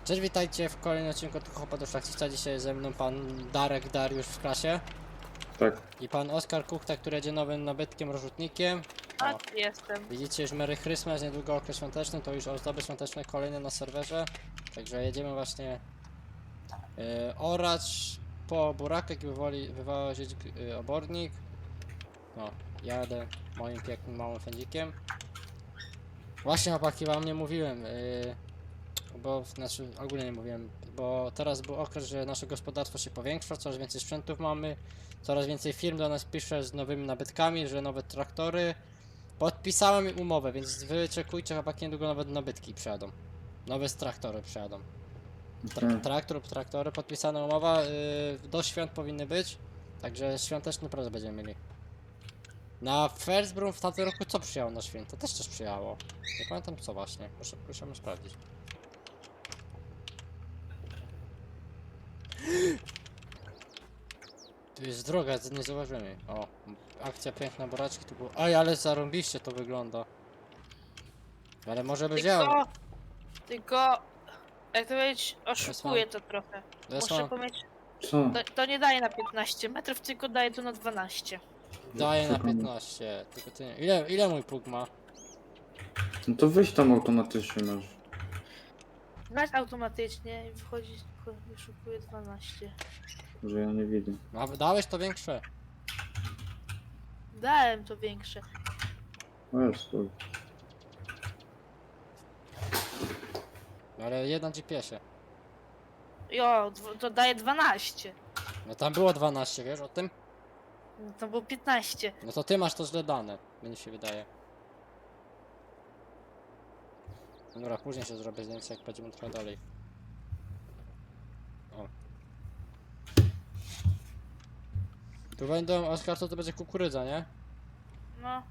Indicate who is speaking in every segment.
Speaker 1: Cześć, witajcie w kolejnym odcinku Chłopa do Szlachcica. Dzisiaj ze mną pan Darek Dariusz w klasie
Speaker 2: Tak.
Speaker 1: i pan Oskar Kuchta, który jedzie nowym nabytkiem, rozrzutnikiem.
Speaker 3: A,
Speaker 1: O,
Speaker 3: jestem.
Speaker 1: widzicie już Merry Christmas, niedługo okres świąteczny, to już ozdoby świąteczne kolejne na serwerze. Także jedziemy właśnie orać po burakach i wywozić obornik. No, jadę moim pięknym małym fędzikiem. Właśnie chłopaki, wam nie mówiłem, bo znaczy ogólnie nie mówiłem, bo teraz był okres, że nasze gospodarstwo się powiększa, coraz więcej sprzętów mamy, coraz więcej firm do nas pisze z nowymi nabytkami, że nowe traktory. Podpisałem im umowę, więc wyczekujcie, chłopaki, niedługo nowe nabytki przyjadą. Nowe traktory przyjadą. Traktor lub traktory, podpisana umowa, do świąt powinny być, także świąteczny prezent będziemy mieli. Na Firstbroom w tamtym roku co przyjęło na święta? Też coś przyjęło. Nie pamiętam co właśnie, musimy sprawdzić. Tu jest droga, nie zauważymy. O, akcja piękna buraczki tu było. Oj, ale zarąbiście to wygląda. Ale może by działał.
Speaker 3: Tylko, jak to powiedzieć, oszukuję to trochę. Muszę powiedzieć,
Speaker 2: Co?
Speaker 3: to nie daje na 15 metrów, tylko daje to na 12.
Speaker 1: Daje na
Speaker 2: Sekunda.
Speaker 1: 15, tylko ty nie. Ile mój pług ma?
Speaker 2: No to wyjść tam automatycznie masz.
Speaker 3: Grać automatycznie i wychodzi, wyszukuje 12.
Speaker 2: Że ja nie widzę.
Speaker 1: Dałeś to większe.
Speaker 3: Dałem to większe.
Speaker 2: O jest to.
Speaker 1: Ale jedna GPS-ie.
Speaker 3: Jo, to daje 12.
Speaker 1: No tam było 12, wiesz o tym?
Speaker 3: No to było 15.
Speaker 1: No to ty masz to źle dane, mi się wydaje. Dobra, później się zrobię zdjęcie, jak będziemy trochę dalej. O. Tu będą, Oskar, to będzie kukurydza, nie?
Speaker 3: No,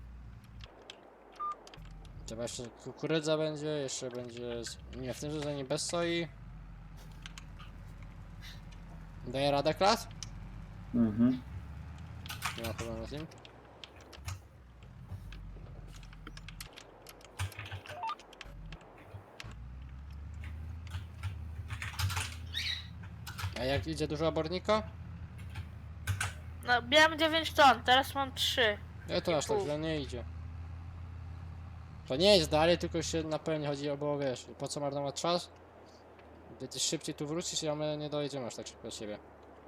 Speaker 1: Trzeba jeszcze kukurydza będzie, jeszcze będzie... Nie, w tym sezonie bez soi. Daje radę klas?
Speaker 2: Mhm.
Speaker 1: Nie ma problemu z nim. A jak idzie dużo obornika?
Speaker 3: no miałem 9 ton, teraz mam 3.
Speaker 1: Nie, to aż tak
Speaker 3: pół.
Speaker 1: źle nie idzie. To nie jest dalej, tylko się na pewno chodzi o, bo wiesz, po co marnować czas? Gdy szybciej tu wrócisz, a my nie dojedziemy aż tak szybko do siebie.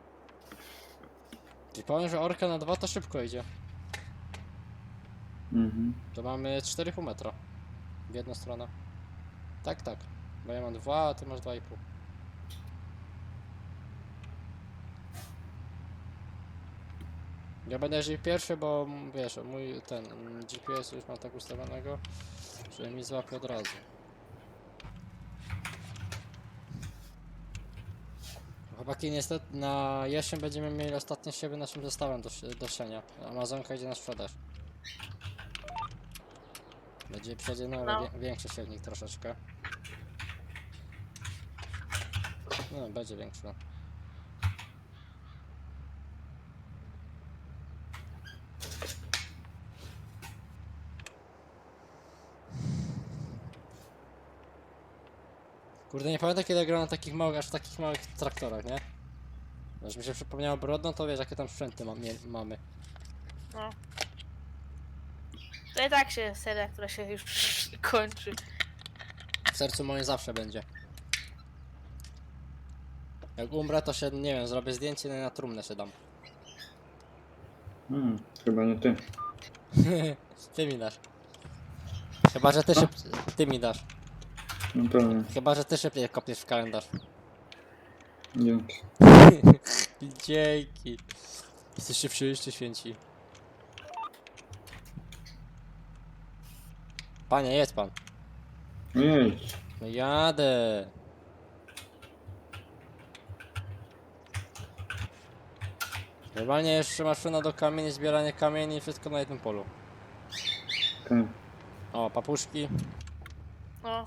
Speaker 1: Czyli powiem, że orka na 2 to szybko idzie.
Speaker 2: Mhm.
Speaker 1: To mamy 4,5 metra w jedną stronę. Tak, tak. Bo ja mam 2, a ty masz 2,5. Ja będę jeździł pierwszy, bo wiesz, mój ten GPS już mam tak ustawionego, że mi złapie od razu. Chłopaki, niestety na jesień będziemy mieli ostatnie siewy naszym zestawem do siania. Amazonka idzie na sprzedaż. Przyjdzie
Speaker 3: No.
Speaker 1: większy siewnik troszeczkę. No, będzie większy. Kurde, nie pamiętam kiedy grałem na takich małych, aż w takich małych traktorach, nie? Aż mi się przypomniało Brodno, to wiesz jakie tam sprzęty mamy.
Speaker 3: No. To i tak się seria, która się już kończy.
Speaker 1: W sercu moim zawsze będzie. Jak umrę, to się, nie wiem, zrobię zdjęcie i na trumnę się dam.
Speaker 2: Chyba nie ty.
Speaker 1: Ty mi dasz. Chyba, że ty ty mi dasz.
Speaker 2: No pewnie.
Speaker 1: Chyba, że ty szybciej kopiesz w kalendarz.
Speaker 2: Dzięki.
Speaker 1: Dzięki. Jesteście wszyscy święci. Panie, jedź pan.
Speaker 2: No jedź.
Speaker 1: No jadę. Normalnie jeszcze maszyna do kamieni, zbieranie kamieni, wszystko na jednym polu.
Speaker 2: Tak.
Speaker 1: O, papuszki.
Speaker 3: No,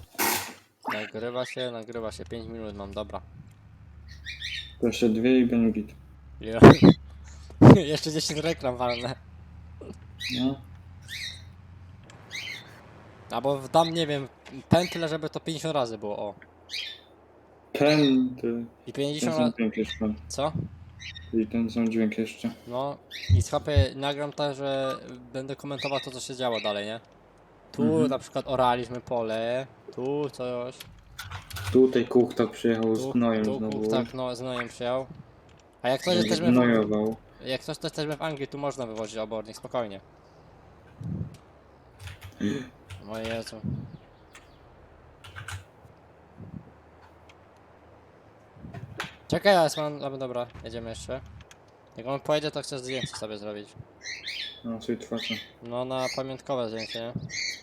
Speaker 1: Nagrywa się, 5 minut mam, dobra.
Speaker 2: To jeszcze 2 i będzie git.
Speaker 1: Jo. Jeszcze 10 reklam walne.
Speaker 2: No.
Speaker 1: Albo dam, nie wiem, pętlę, żeby to 50 razy było, o.
Speaker 2: Ten
Speaker 1: I
Speaker 2: sam
Speaker 1: 50 lat...
Speaker 2: dźwięk jeszcze.
Speaker 1: Co?
Speaker 2: I ten sam dźwięk jeszcze.
Speaker 1: No i schapie, nagram tak, że będę komentował to, co się działo dalej, nie? Tu na przykład oraliśmy pole, tu coś,
Speaker 2: Tutaj kuchta przyjechał z
Speaker 1: tu,
Speaker 2: gnojem
Speaker 1: tu
Speaker 2: znowu.
Speaker 1: tak, no, z gnojem przyjął. A jak coś
Speaker 2: Będzie
Speaker 1: jesteśmy
Speaker 2: gnojował.
Speaker 1: jak coś jesteśmy w Anglii, tu można wywozić obornik, spokojnie. O Jezu. Czekaj, dobra, jedziemy jeszcze. Jak on pojedzie, to chcę zdjęcie sobie zrobić.
Speaker 2: No, sobie twarze.
Speaker 1: No, na pamiątkowe zdjęcie, nie?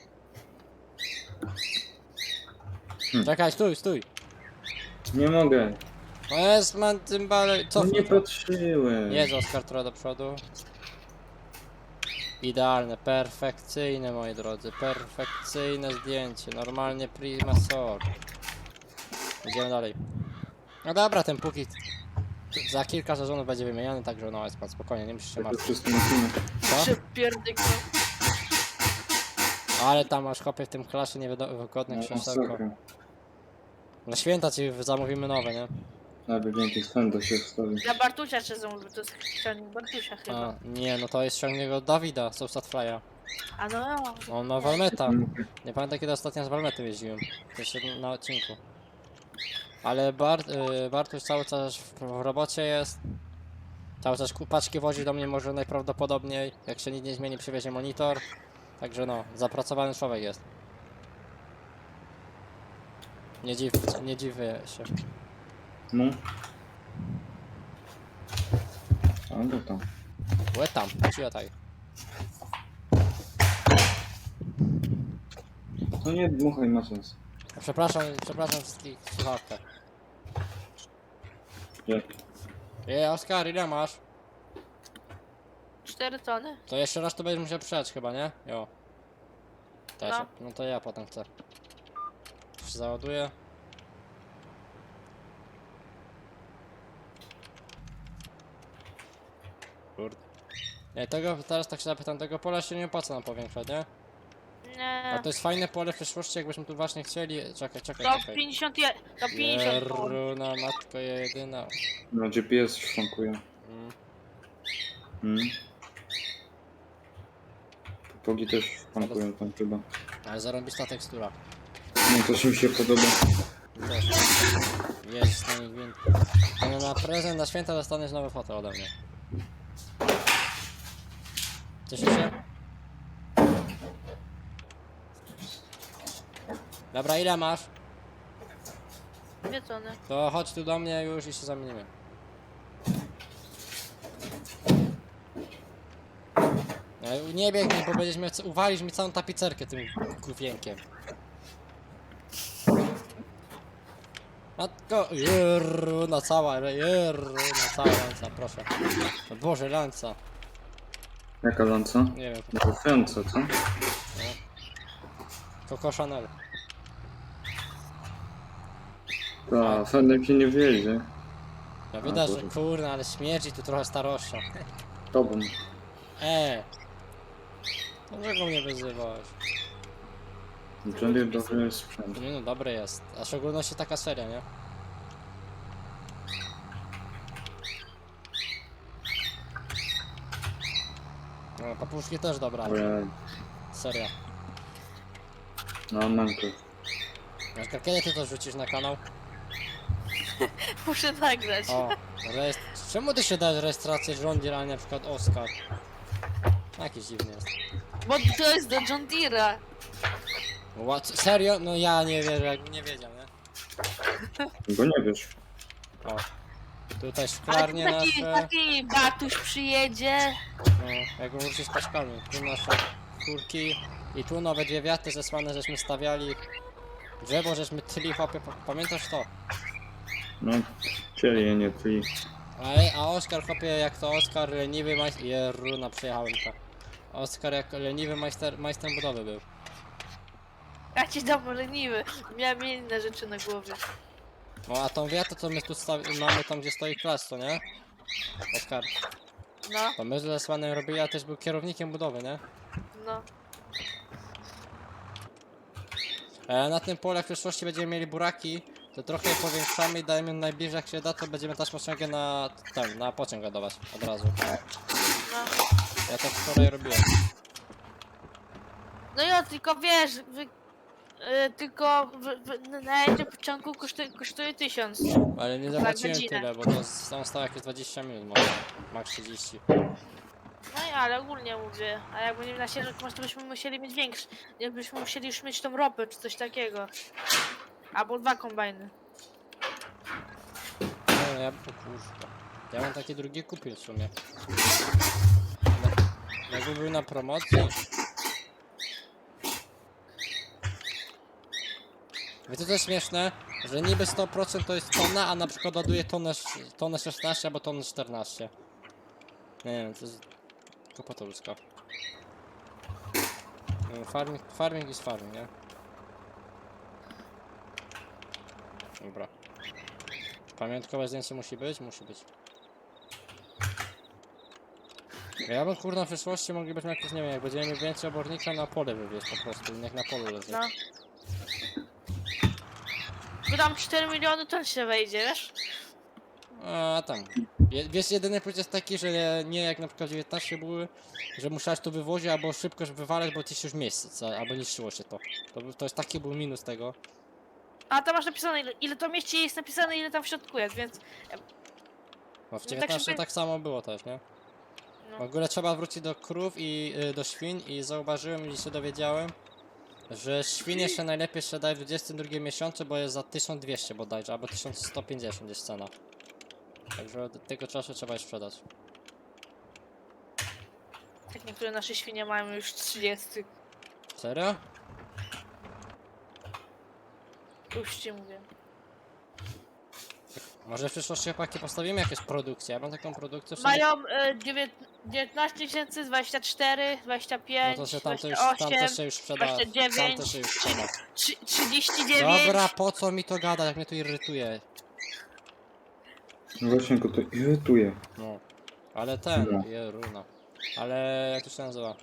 Speaker 1: Czekaj, stój!
Speaker 2: Nie mogę.
Speaker 1: O jest, man, cymbale,
Speaker 2: No
Speaker 1: cofnij
Speaker 2: nie
Speaker 1: to.
Speaker 2: patrzyłem.
Speaker 1: Jedź Oskar trochę do przodu. Idealne, perfekcyjne moi drodzy, perfekcyjne zdjęcie, normalnie prima sort. Idziemy dalej. No dobra, ten póki za kilka sezonów będzie wymieniany, także no jest pan spokojnie, nie musisz się
Speaker 2: Tak to
Speaker 1: martwić.
Speaker 2: wszystko maszyny.
Speaker 1: Co?
Speaker 3: Się pierdyknął.
Speaker 1: Ale tam masz chłopie w tym klasie niewygodne
Speaker 2: No,
Speaker 1: krzesełko.
Speaker 2: masakra.
Speaker 1: Na święta ci zamówimy nowe, nie?
Speaker 2: Nawet więcej spędu się wstawi.
Speaker 3: Dla Bartusia czy zamówił, to jest chrzczenie Bartusia chyba.
Speaker 1: A, nie, no to jest ściągnięcie od Dawida, Soulsat Fly'a.
Speaker 3: A no,
Speaker 1: On ma Walmeta. Nie pamiętam kiedy ostatnio z Walmetem jeździłem. Jeszcze na odcinku. Ale Bartuś cały czas w robocie jest. Cały czas paczki wozi do mnie może najprawdopodobniej. Jak się nic nie zmieni, przywiezie monitor. Także no, zapracowany człowiek jest. Nie dziwię się.
Speaker 2: No. A no tam.
Speaker 1: Łe tam, tak.
Speaker 2: No nie dmuchaj, ma sens.
Speaker 1: Przepraszam wszystkich w słuchawkach.
Speaker 2: Nie.
Speaker 1: Oskar, ile masz?
Speaker 3: 4 tony.
Speaker 1: To jeszcze raz to będziesz musiał przejść chyba, nie? Jo. Też.
Speaker 3: No.
Speaker 1: No to ja potem chcę. Już się załaduję. Kurde. Nie, teraz tak się zapytam, tego pola się nie opłaca nam powiększać, nie? A
Speaker 3: Nie.
Speaker 1: to jest fajne pole w przyszłości, jakbyśmy tu właśnie chcieli... Czekaj.
Speaker 3: To 50 to 50 ton.
Speaker 1: Jeruna, matko jedyna.
Speaker 2: No GPS szwankuje.
Speaker 1: Mm.
Speaker 2: Pogi też szwankują tam chyba.
Speaker 1: Ale zarąbista tekstura.
Speaker 2: No to mi się podoba.
Speaker 1: Też. Jest na nich gwint. No na prezent, na święta dostaniesz nowe foto ode mnie. Cieszysz się? Dobra, ile masz?
Speaker 3: 2 tony.
Speaker 1: To chodź tu do mnie już i się zamienimy. Nie biegnij, bo będziesz miał, uwalisz mi całą tapicerkę tym kufienkiem. Matko, jeruna cała lanca, proszę. O Boże, lanca.
Speaker 2: Jaka lanca?
Speaker 1: Nie wiem,
Speaker 2: Trafiąca, co?
Speaker 1: Coco Chanel.
Speaker 2: Ta, Fenek się nie wiedzie.
Speaker 1: No widać, że
Speaker 2: Boże.
Speaker 1: kurna, ale śmierdzi tu trochę starością.
Speaker 2: Tobą.
Speaker 1: Dlaczego mnie wyzywasz?
Speaker 2: John dobry sprzęt.
Speaker 1: Nie no, dobry jest. A w szczególności taka seria, nie? No, papuszki też dobra.
Speaker 2: Ale...
Speaker 1: Seria.
Speaker 2: No, manko.
Speaker 1: Oskar, kiedy ty to rzucisz na kanał?
Speaker 3: Muszę nagrać.
Speaker 1: O, czemu ty się dajesz rejestrację John Deere, a nie na przykład Oskar? Jakiś dziwny jest.
Speaker 3: Bo to jest do John Deere'a.
Speaker 1: Serio? No ja nie wierzę, jakbym nie wiedział, nie?
Speaker 2: Bo nie wiesz.
Speaker 1: O. Tutaj
Speaker 3: Ale
Speaker 1: szklarnie
Speaker 3: taki,
Speaker 1: nasze.
Speaker 3: taki Bartuś przyjedzie.
Speaker 1: No, jak wróci z paczkami. Tu nasze kurki. I tu nowe dwie wiaty zesłane, żeśmy stawiali. Drzewo, żeśmy tyli chłopie, pamiętasz to?
Speaker 2: No, cieli, nie ty.
Speaker 1: A Oskar chłopie, jak to Oskar leniwy majster... Jeruna, przejechałem to. Oskar jak leniwy majster budowy był.
Speaker 3: Ja ci dam leniwy. Miałem inne rzeczy na głowie.
Speaker 1: No a tą wiatę, co my tu mamy tam, gdzie stoi klas, to nie? Oskar,
Speaker 3: No,
Speaker 1: to my z Lesłanem robili, a też był kierownikiem budowy, nie?
Speaker 3: no.
Speaker 1: Na tym polu w przyszłości będziemy mieli buraki, to trochę je powiększamy i dajemy najbliżej jak się da, to będziemy taśmociągiem na pociąg ładować od razu.
Speaker 3: No.
Speaker 1: Ja tak wczoraj robiłem.
Speaker 3: No jo, tylko wiesz, tylko najedzie pociągu kosztuje 1000.
Speaker 1: Ale nie
Speaker 3: Za
Speaker 1: zapłaciłem
Speaker 3: godzinę.
Speaker 1: tyle, bo to tam stało jakieś 20 minut może. Max 30.
Speaker 3: No i ale ogólnie mówię, a jak będziemy na sierżek, może to byśmy musieli mieć większy. Nie byśmy musieli już mieć tą ropę czy coś takiego. Albo 2 kombajny.
Speaker 1: No ja, o kurwa. Ja bym taki drugi kupił w sumie. Jakby był na promocji. Wiecie co jest śmieszne? Że niby 100% to jest tona, a na przykład ładuje tonę 16 albo tonę 14. Nie wiem, to jest głupota ludzka. Farming jest farming, nie? Dobra. Pamiątkowe zdjęcie musi być? Musi być. Ja bym kurna w przyszłości moglibyśmy jakieś, nie wiem, jak będziemy mieli więcej obornika na pole wywieźć po prostu, niech na polu leży.
Speaker 3: No. Wydam 4 miliony, to się wejdzie, wiesz?
Speaker 1: A tam. Wiesz, jedyny plus jest taki, że nie jak na przykład 19 były, że musiałeś to wywozić albo szybko wywalać, bo ci się już miejsce, albo niszczyło się to. To jest taki był minus tego.
Speaker 3: A tam masz napisane ile to mieści, jest napisane ile tam w środku jest, więc...
Speaker 1: No w
Speaker 3: tak
Speaker 1: 19
Speaker 3: żeby-
Speaker 1: tak samo było też, nie? W
Speaker 3: No.
Speaker 1: ogóle trzeba wrócić do krów i do świń i zauważyłem i się dowiedziałem, że świnie się najlepiej sprzedaje w 22 miesiącu, bo jest za 1200 bodajże, albo 1150 jest cena. Także od tego czasu trzeba je sprzedać.
Speaker 3: Tak niektóre nasze świnie mają już 30.
Speaker 1: Serio?
Speaker 3: Już ci mówię.
Speaker 1: Może w przyszłości chłopaki postawimy jakieś produkcje, ja mam taką produkcję w sumie.
Speaker 3: Mają 19 tysięcy, 24,
Speaker 1: No
Speaker 3: 25,
Speaker 1: to się tam
Speaker 3: 28,
Speaker 1: też się już sprzeda. Tam
Speaker 3: 29,
Speaker 1: też się już sprzeda.
Speaker 3: 39.
Speaker 1: Dobra, po co mi to gada, jak mnie to irytuje.
Speaker 2: No właśnie go to irytuje.
Speaker 1: No. Ale ten,
Speaker 2: No.
Speaker 1: runa. Ale jak to się nazywa?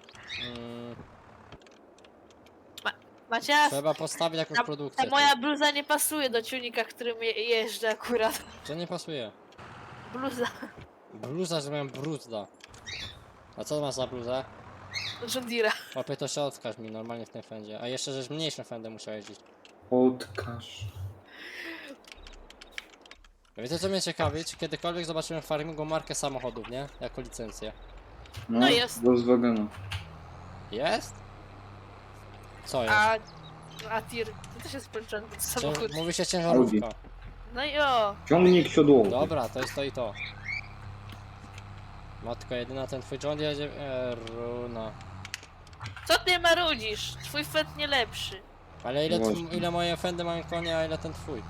Speaker 3: Macie,
Speaker 1: Trzeba postawić jakąś
Speaker 3: ta
Speaker 1: produkcję.
Speaker 3: moja bluza nie pasuje do ciunika, którym jeżdżę akurat.
Speaker 1: Co nie pasuje?
Speaker 3: Bluza
Speaker 1: Bluza, że miałem bruzda. A co masz za bluzę?
Speaker 3: John Deere'a.
Speaker 1: Łapie to się odkaż mi normalnie w tym fendzie. A jeszcze, żeś mniejszym fendem musiał jeździć.
Speaker 2: Odkaż.
Speaker 1: Wiecie co mnie ciekawi? Czy kiedykolwiek zobaczymy w farmingu markę samochodów, nie? Jako licencję.
Speaker 3: No jest.
Speaker 2: Volkswagena.
Speaker 1: Jest? Co jest?
Speaker 3: A tir, to też jest połączony samochód.
Speaker 1: Mówi się ciężarówka.
Speaker 3: No i o,
Speaker 2: Ciągnik siodłowy.
Speaker 1: Dobra, to jest to i to. Matko jedyna, ten twój John jedzie... runa.
Speaker 3: co ty marudzisz? Twój fet nie lepszy.
Speaker 1: Ale
Speaker 2: Właśnie.
Speaker 1: ile moje fendy mają konia, a ile ten twój?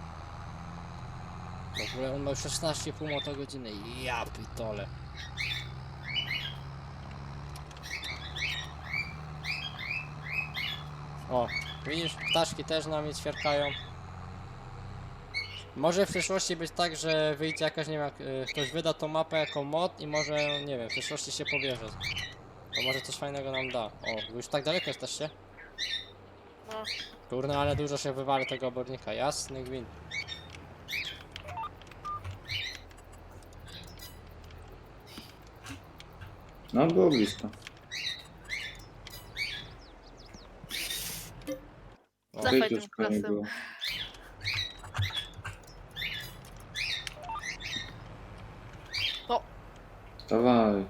Speaker 1: W ogóle on ma 16,5 motogodziny. Ja pitole. O, widzisz, ptaszki też na mnie ćwierkają. Może w przyszłości być tak, że wyjdzie jakaś, nie wiem, ktoś wyda tą mapę jako mod i może, nie wiem, w przyszłości się pobierze. To może coś fajnego nam da. O, wy już tak daleko jesteście?
Speaker 3: No.
Speaker 1: Kurna, ale dużo się wywali tego obornika, jasny gwint.
Speaker 2: No było blisko.
Speaker 1: O,
Speaker 3: Zachwaj
Speaker 2: Tej
Speaker 3: tym
Speaker 2: też nie
Speaker 3: klasem.
Speaker 2: było.
Speaker 3: O,
Speaker 2: Dawaj.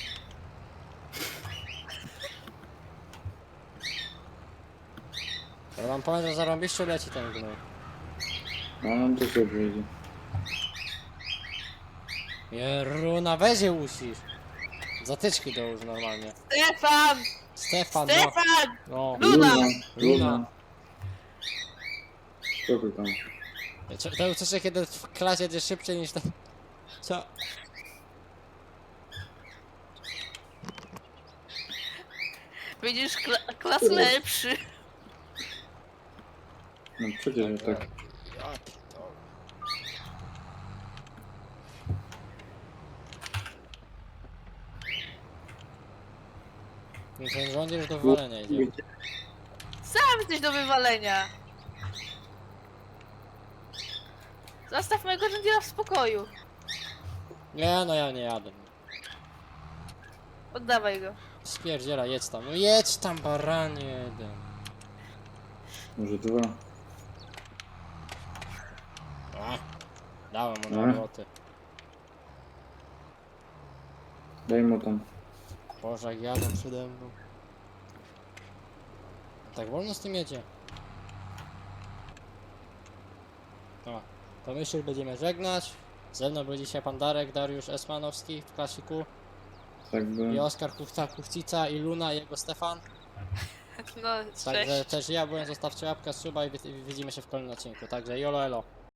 Speaker 1: ja wam powiem, że zarąbiście leci ten gnój.
Speaker 2: No nam to sobie wyjdzie.
Speaker 1: Jeruna, weź je usisz. Zatyczki dołóż normalnie.
Speaker 3: Stefan!
Speaker 1: Stefan, no.
Speaker 3: Stefan!
Speaker 1: No.
Speaker 3: Luna!
Speaker 1: Luna.
Speaker 2: Co ty tam?
Speaker 1: To uczeszę, kiedy w klasie jedzie szybciej niż ten... Co?
Speaker 3: Widzisz, klas lepszy.
Speaker 2: No przecież że tak.
Speaker 1: Ja pitole. Ten żołnierz do wywalenia idzie.
Speaker 3: Sam jesteś do wywalenia. Zostaw mojego John Deere'a w spokoju.
Speaker 1: Nie, no ja nie jadę.
Speaker 3: Oddawaj go.
Speaker 1: Spierdziela, jedź tam. No jedź tam, baranie jeden.
Speaker 2: Może 2.
Speaker 1: A, dałem mu
Speaker 2: No.
Speaker 1: na roboty.
Speaker 2: Daj mu tam.
Speaker 1: Boże, jak jadą przede mną. Tak wolno z tym jedzie. No, to my się będziemy żegnać. Ze mną był dzisiaj pan Darek, Dariusz Esmanowski w klasiku.
Speaker 2: Tak
Speaker 1: I
Speaker 2: by.
Speaker 1: Oskar Kuchcica i Luna i jego Stefan.
Speaker 3: No,
Speaker 1: Także
Speaker 3: cześć.
Speaker 1: też ja byłem, zostawcie łapkę, suba i widzimy się w kolejnym odcinku. Także jolo elo.